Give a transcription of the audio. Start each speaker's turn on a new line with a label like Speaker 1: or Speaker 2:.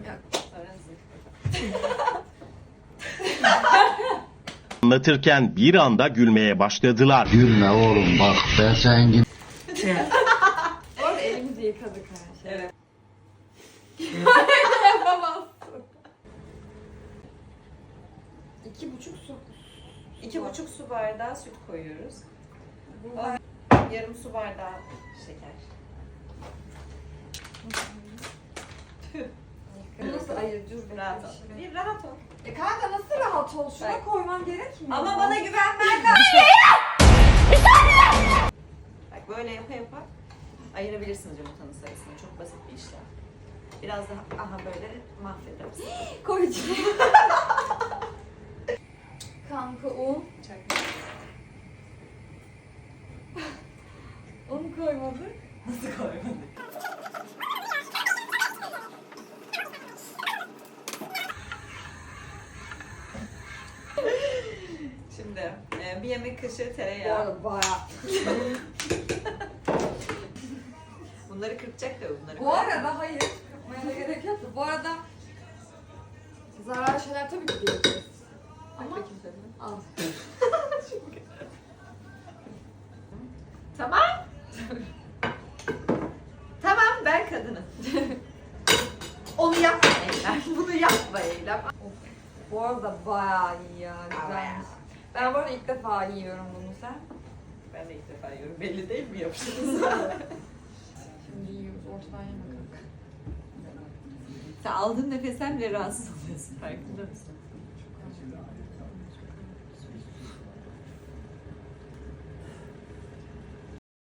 Speaker 1: Anlatırken bir anda gülmeye başladılar.
Speaker 2: Gülme oğlum bak ben sen gibi.
Speaker 3: Orada elimizi yıkadık her şey.
Speaker 4: Evet.
Speaker 3: Yapamazsın. 2,5 su.
Speaker 4: 2,5 su bardağı süt koyuyoruz. Yarım su bardağı şeker.
Speaker 3: Nasıl ayıracağız?
Speaker 4: Rahat ol. Bir rahat ol.
Speaker 3: Kanka nasıl rahat ol? Şuna
Speaker 4: Bak.
Speaker 3: koyman gerekmiyor.
Speaker 4: Ama bana güvenmen lazım. Bak böyle yapa yapa ayırabilirsiniz yumurtanın sayısını. Çok basit bir işlem. Biraz daha aha böyle mahvedersin.
Speaker 3: Koyacağım. Kanka un. Un koymadık.
Speaker 4: Nasıl koymadık? Şimdi bir yemek kaşığı
Speaker 3: Bu
Speaker 4: tereyağı.
Speaker 3: arada bayağı.
Speaker 4: Bunları kırpacak da bunları.
Speaker 3: Bu arada hayır. Kırpmaya da gerek yok. Bu arada zararlı şeyler tabii ki diyeceğiz. Ama al.
Speaker 4: Tamam. Tamam ben kadınım. Onu yapma Eylem. Bunu yapma Eylem.
Speaker 3: Bu arada bayağı iyi ya. Güzelmiş. Ben bu arada ilk defa yiyorum bunu sen.
Speaker 4: Ben de ilk defa yiyorum. Belli değil mi yapışınız?
Speaker 3: Şimdi yiyoruz. Ortadan yeme kanka.
Speaker 4: Sen aldığın nefesten bile rahatsız oluyorsun. Farkında mısın?